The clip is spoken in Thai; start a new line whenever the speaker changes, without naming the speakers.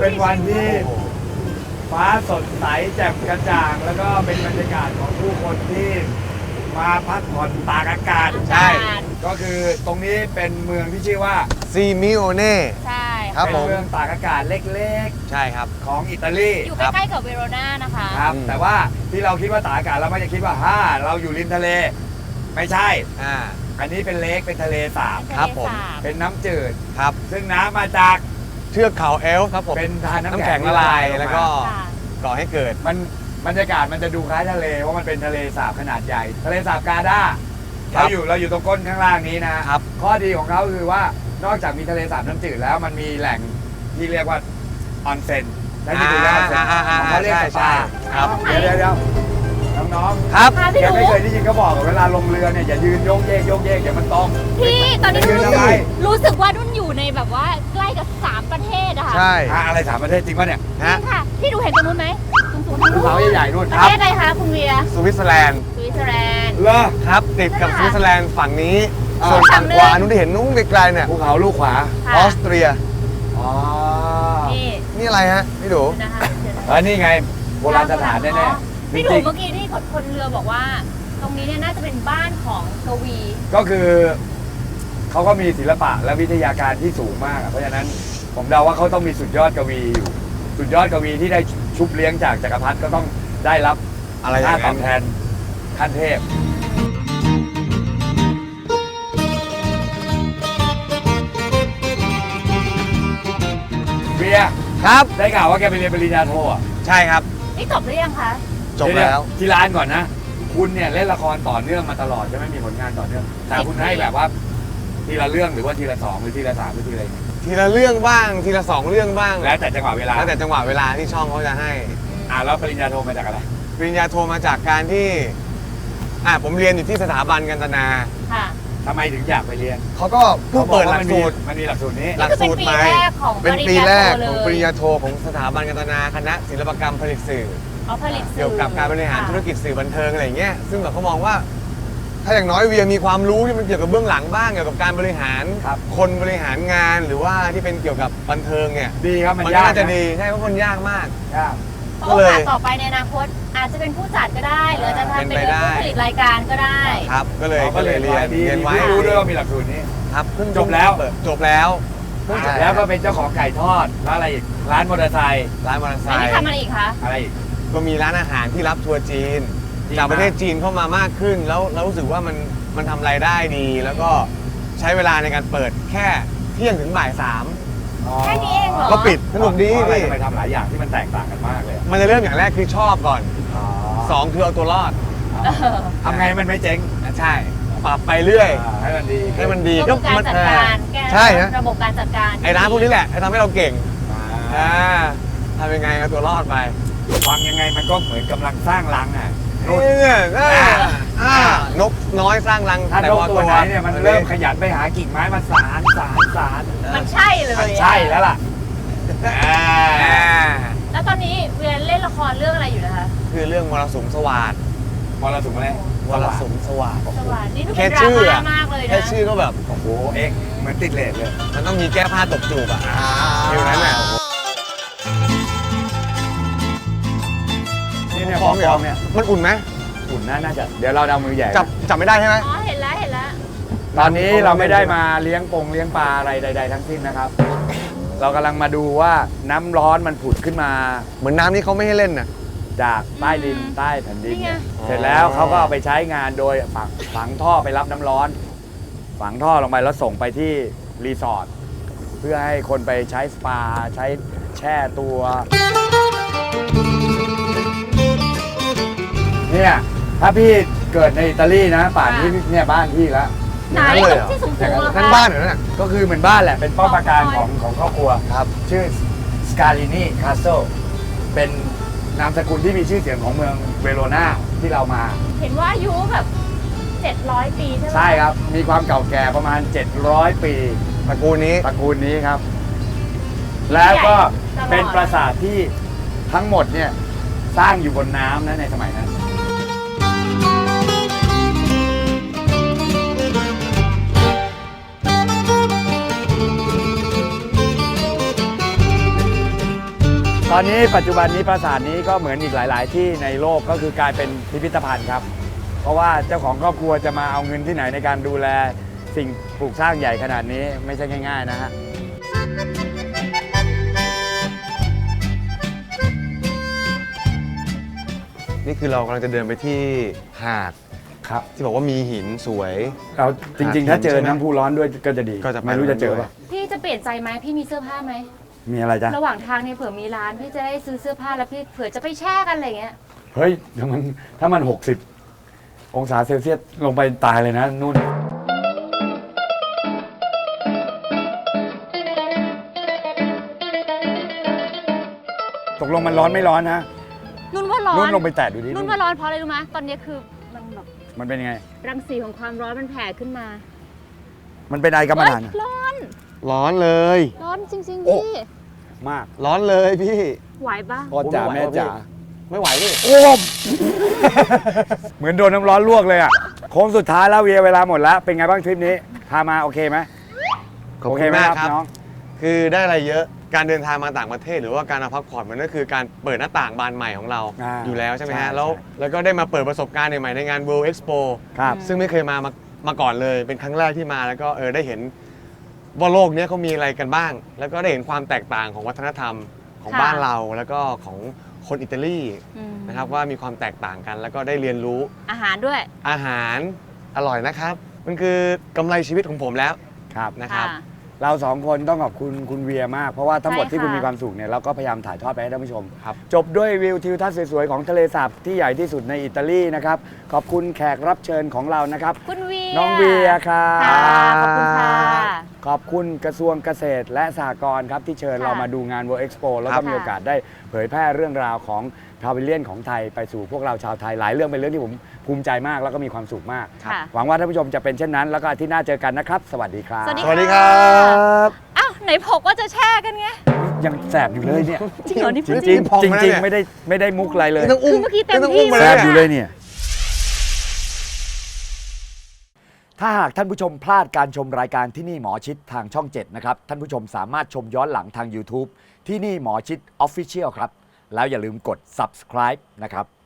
เป็นวันที่ฟ้าสดใสแจ่มกระจ่างแล้วก็เป็นบรรยากาศของผู้คนที่มาพักผ่อนตากอากาศ
ใช่
ก็คือตรงนี้เป็นเมืองที่ชื่อว่า
ซีมิโอเน่
ใช่
ครับ
เป็น
ผม
เมืองตากอากาศเล็ก
ใช่ครับ
ๆของอิตาลี
อยู่ใกล้ๆกับเวโรนานะคะ
ครับ
อืม
แต่ว่าที่เราคิดว่าตากอากาศเราไม่ได้คิดว่าเราอยู่ริมทะเล ไม่ใช่ อันนี้เป็นเลคเป็นทะเลสาบ
ครับผม
เป็นน้ำจืด
ครับ
ซึ่งน้ำมาจาก
เทือกเขาเอลฟ์ครับผม
เป็นทานน้ำ
น้ำ
แข็
แข็
ง
งละลายแล้วก็
ค่ะ
ก่อให้เกิด
มันบรรยากาศมันจะดูคล้ายทะเลเพราะมันเป็นทะเลสาบขนาดใหญ่ ทะเลสาบกาดา
ครับ
เราอยู่ตรงก้นข้างล่างนี้นะครับ ข้อดีของเขาคือว่านอกจากมีทะเลสาบน้ำจืดแล้วมันมีแหล่งที่เรียกว่าออนเซ็นและที่ดูแลออนเซ็นของเขาเรียกสปา
ครับ
เดี๋ยวน้องๆ
ครับ
ค่ะพี่
แก
หนู
ไม่เคยได้ยินเขาบอกเวลาลงเรือเนี่ยอย่ายืนโยกเยกเดี๋ยวมันต้อง
พี่ตอนนี้
ยืนทำไม
รู้สึกว่านุ่นอยู่ในแบบว่าใกล้กับ3ประเทศอะค่ะ
ใช่
อะไรสามประเทศจริงป่ะเนี่ย
จริงค่ะ พี่ดูเห็นตรงนู้นไหมสูงๆ
ภูเขาใหญ่ๆนู่น
ป
ค
ระ
รับ
เทศอะไรคะคุณเวีย
สวิตเซอร์แลนด์
สวิตเซอร์แลนด์
เลอ
ครับติดกับสวิตเซอร์แลนด์ฝั่งนี้
อ่า
ส่วนฝั่งขวานู้นที่เห็นนู้นไกลๆเนี่ย
ภูเขาลูกขวา
ค่ะ
ออสเตรีย
อ๋อ
นี่
นี่อะไรฮะพี่ดู
เดี๋ยวนะคะเดี๋ยวนะคะ
นี่ไงโบราณสถานแน่ๆ
พี่ห
จ
นู
ริง
เมื่อกี้ที่คนเรือบอกว่า ตรงนี้เนี่ยน่าจะเป็นบ้านของกวี
ๆก็คือเขาก็มีศิลปะและวิทยาการที่สูงมากอะเพราะฉะนั้นผมเดาว่าเขาต้องมีสุดยอดกวีอยู่สุดยอดกวีที่ได้ชุบเลี้ยงจากจักรพรรดิก็ต้องได้รับ
อะไรอย่า
ค่าง ต
นั้
อน บแทนขั้นเทพเบียร์
ครับ
ได้ข่าวว่าแกไปเรียนปริญญาโทอ่ะ
ใช่ครับ
นี่จบหรือยังคะ
จบแล้ว
เดี๋ยๆที่ร้านก่อนนะ คุณเนี่ยเล่นละครต่อเนื่องมาตลอดใช่ไหมมีผลงานต่อเนื่องแต่คุณให้แบบว่าทีละเรื่องหรือว่าทีละ2หรือทีละ3หรือทีละ
ทีละเรื่องบ้างทีละ2เรื่องบ้าง
แล้วแต่จังหวะเวลา
แล้วแต่จังหวะเวลาที่ช่องเขาจะให้
แล้วปริญญาโทมาจากอะไร
ปริญญาโทมาจากการที่ผมเรียนอยู่ที่สถาบันกันตนา
ค่ะ
ทำไมถึงอยากไปเรียน
เขาก็เพิ่งเปิดหลักสูตร
มันมีหลักสูตรนี้
หลักสูตรใหม่
นี่คือเป็นปีแรกของ
เป็นปีแรกของปริญญาโทของสถาบันการตนาคณะศิลปกรรมผลิตสื่อ
เอาผลิตสื่อ
เกี่ยวกับการบริหาร
ค่ะ
ธุรกิจสื่อบันเทิงอะไรอย่างเงี้ยซึ่งแบบเขามองว่า ถ้าอย่างน้อยเวียมีความรู้ที่มันเกี่ยวกับเบื้องหลังบ้างเกี่ยวกับการบริหาร
ครับ
คนบริหารงานหรือว่าที่เป็นเกี่ยวกับบันเทิงเนี่ย
ดีครับ
มั
มัน
น
ยาก
น่าจะ
น
ดีใช่เพราะมันยากมาก
ยาก
โอกาสต่อไปในอนาคตอาจจะเป็นผู้จัดก็ได้ หรือจะทำเป็น
เป็นไปได้
ผู้ผลิตรายการก็ได้
ครับ ก็เลย
เราก็เลย
เรียน
ดี
เรียนไว้
ไม่รู้ด้วยว่ามีหลักสูตรนี้
ครับเพิ่ง
จบแล้ว
จบแล้ว
แล้วก็เป็นเจ้าของไก่ทอดแล้วอะไรอีกร้านมอเตอร์ไซค์
ร้านมอเตอร์ไซ
อันนี้
ค์
ทำอะไรอีกคะ
อะไรอีก
ก็มีร้านอาหารที่รับทัวร์จีน
ดี
จากประเทศ
มาก
จีนเข้ามามากขึ้นแล้วรู้สึกว่ามันทำรายได้ดี แล้วก็ใช้เวลาในการเปิดแค่เที่ยงถึงบ่าย
แค่นี้เองเหรอ
3ก็ปิดสนุกดี
เพราะอะไร
พี่
ทำไมทำหลายอย่างที่มันแตกต่างกันมากเลยอะ
มันจะเริ่มอย่างแรกคือชอบก่อน 2 คือเอาตัวรอด
ทำไงมันไม่เจ๊ง
ใช่ปรับไปเรื่อย
ให้มันดี
ให้มันดี
ระบบการจัดการแก้
ใช่ฮะ
ระบบการจัดการ
ไอ้ร้านพวกนี้แหละทำให้เราเก่ง
อ่า
ทำยังไงเอาตัวรอดไป
ฟังยังไงมันก็เหมือนกำลังสร้างรังอ่ะนู่น
เนี่ยนกน้อยสร้างรัง
ถ้านกตัวไหนเนี่ยมันเริ่มขยันไปหากิ่งไม้มาสาร
มันใช่เลย
มันใช่แล้วล่ะ
แล้วตอนนี้เวียนเล่นละครเรื่องอะไรอยู่นะคะ
คือเรื่องมรสุมสวัสด
มรสุมอะไร
มรสุมสวัสด
สวัสดีนี่ดู
แค่
เป็นดรา
ชื่อ
ม่า
อะ
มากเลยนะ
แค่ชื่อก็แบบ
โอ้โหเอ็กเหมือนติดเลทเลย
มันต้องมีแก้ผ้าตบจูบอ่ะฟิลนั้นอ่ะ
นี่เนี่ย
ฟ้อง
ฟ้องเนี่ย
มันอุ่นไหม
อุ่นน่าจะเดี๋ยวเราเอามือใหญ่
จับไม่ได้ใช่ไหม
อ๋อเห็นแล้วเห็นแล้ว
ตอนนี้เราไม่ได้มาเลี้ยงปลาอะไรใด ๆ ทั้งสิ้นนะครับ เรากำลังมาดูว่าน้ำร้อนมันผุดขึ้นมา
เหมือนน้ำนี่เขาไม่ให้เล่นน่ะ
จากใต้ดินใต้แผ่นดินเนี่ย
นี่ไง
เสร็จแล้วเขาก็เอาไปใช้งานโดยฝังท่อไปรับน้ำร้อน ฝังท่อลงไปแล้วส่งไปที่รีสอร์ทเพื่อให้คนไปใช้สปาใช้แช่ตัวเนี่ยถ้าพี่เกิดในอิตาลีนะป่านนี้เนี่ยบ้านพี่แล้ว
ไหน
อย่างนั้นเลยเหรอ
ที่สูงๆเหรอ
นั่น
คะ
บ้านเหรอเนี่ย
ก็คือเหมือนบ้านแหละ เป็นป้อมปราการของครอบครัว
ครับ
ชื่อสกาลินีคาสเซิลเป็นนามสกุลที่มีชื่อเสียงของเมืองเวโรนาที่เรามา
เห็นว่าอายุแบบ700 ปีใช่ไหม
ใช่ครับ มีความเก่าแก่ประมาณ 700 ปี
ตระกูลนี้
ตระกูลนี้ครับ แล้วก็เป็นปราสาทที่ทั้งหมดเนี่ยสร้างอยู่บนน้ำนะในสมัยนั้นตอนนี้ปัจจุบันนี้ปราสาทนี้ก็เหมือนอีกหลาย ๆ ที่ในโลกก็คือกลายเป็นพิพิธภัณฑ์ครับ เพราะว่าเจ้าของครอบครัวจะมาเอาเงินที่ไหนในการดูแลสิ่งปลูกสร้างใหญ่ขนาดนี้ไม่ใช่ง่าย ๆ นะฮะ
นี่คือเรากำลังจะเดินไปที่หาด
ครับ
ที่บอกว่ามีหินสวย
เราจริง ๆ ถ้าเจอน้ำพุร้อนด้วยก็จะดี
ก็จะไป
ไม่รู้จะเจอป่ะ
พี่จะเปลี่ยนใจไหมพี่มีเสื้อผ้าไหม
มีอะไรจ๊ะ
ระหว่างทางเนี่ยเผื่อมีร้านพี่จะได้ซื้อเสื้อผ้าแล้วพี่เผื่อจะไปแช่กันอะไรเงี้ย
เฮ้ยถ้ามัน 60 องศาเซลเซียสลงไปตายเลยนะนุ่น ตกลงมันร้อนไม่ร้อนนะ
นุ่นว่าร้อน
นุ่นลงไปแตะดูดิ
นุ่นว่าร้อนเพราะอะไรรู้ไหมตอนนี้คือมันแบบ
มันเป็นยังไง
รังสีของความร้อนมันแผ่ขึ้นมา
มันเป็นไอกรรมฐาน
เฮ้ยร้อน
ร้อนเลย
ร้อนจริง
โอ้
ๆพี่
มาก
ร้อนเลยพี่
ไหวปะ
พ่อจ๋าแม่จ๋า
ไม่ไหวพี่
โอ้ม เหมือนโดนน้ำร้อนลวกเลยอ่ะโค้งสุดท้ายแล้วเวียเวลาหมดแล้ว เป็นไงบ้างทริปนี้ พามาโอเคไหม
ขอบ
โอ
คุ
เค
ณ
ไหม
มาก
ครับ
ครับ
น้อง
คือได้อะไรเยอะ การเดินทางมาต่างประเทศหรือว่าการมาพักผ่อนมันก็คือการเปิดหน้าต่างบานใหม่ของเรา
อ่า
อยู่แล้วใช่ไหม
ใช่
ฮะ แล้วก็ได้มาเปิดประสบการณ์ใหม่ๆในงาน World Expo
ครับ
ซึ่งไม่เคยมาก่อนเลย เป็นครั้งแรกที่มาแล้วก็ได้เห็นว่าโลกเนี้ยเขามีอะไรกันบ้าง แล้วก็ได้เห็นความแตกต่างของวัฒนธรรมของบ้านเราแล้วก็ของคนอิตาลี
อืม
นะครับว่ามีความแตกต่างกัน แล้วก็ได้เรียนรู้
อาหารด้วย
อาหารอร่อยนะครับ มันคือกำไรชีวิตของผมแล้ว
ครับ
นะครับ
ค่ะ
เราสองคนต้องขอบคุณคุณเวียมาก เพราะว่าทั้งหมด
ใช่
ที่คุณ
ค่ะ
มีความสุขเนี่ยเราก็พยายามถ่ายทอดไปให้ท่านผู้ชม
ครับ
จบด้วยวิวทิวทัศน์สวยๆของทะเลสาบที่ใหญ่ที่สุดในอิตาลีนะครับ ขอบคุณแขกรับเชิญของเรานะครับ
คุณเวีย
น้องเวียครับ
ค่ะขอบคุณค่ะ
ขอบคุณกระทรวงเกษตรและสหกรณ์ครับที่เชิญ
ค่ะ
เรามาดูงาน World Expo แล้ว
ครั
ก็
บ
มีโอกาสได้เผยแพร่เรื่องราวของพาวิเลียนของไทยไปสู่พวกเราชาวไทยหลายเรื่องเป็นเรื่องที่ผมภูมิใจมากแล้วก็มีความสุขมาก
ค่ะ
หวังว่าท่านผู้ชมจะเป็นเช่นนั้น แล้วก็อาทิตย์หน้าเจอกันนะครับ สวัสดีครับ
สวัสดี
สวัสดีครับ
อ้าวไหนบอกว่าจะแช่กันไง
ยังแสบอยู่เลยเนี่ย
จริงเหรอนี่
จ
พูด
ริง
จริง
พอง
จริง
มาแล้ว
จริง
เนี่ย
ไม่ได้มุกอะไรเลย
นี่ต้องอุ้ม
คือเมื่อกี้เต็ม
นี่ต้อง
ที่
อุ้มมา
แส
เลย
บอยู่
อะ
เลยเนี่ย ถ้าหากท่านผู้ชมพลาดการชมรายการที่นี่หมอชิดทางช่อง 7 นะครับ ท่านผู้ชมสามารถชมย้อนหลังทาง YouTube ที่นี่หมอชิด Official ครับ แล้วอย่าลืมกด subscribe นะครับ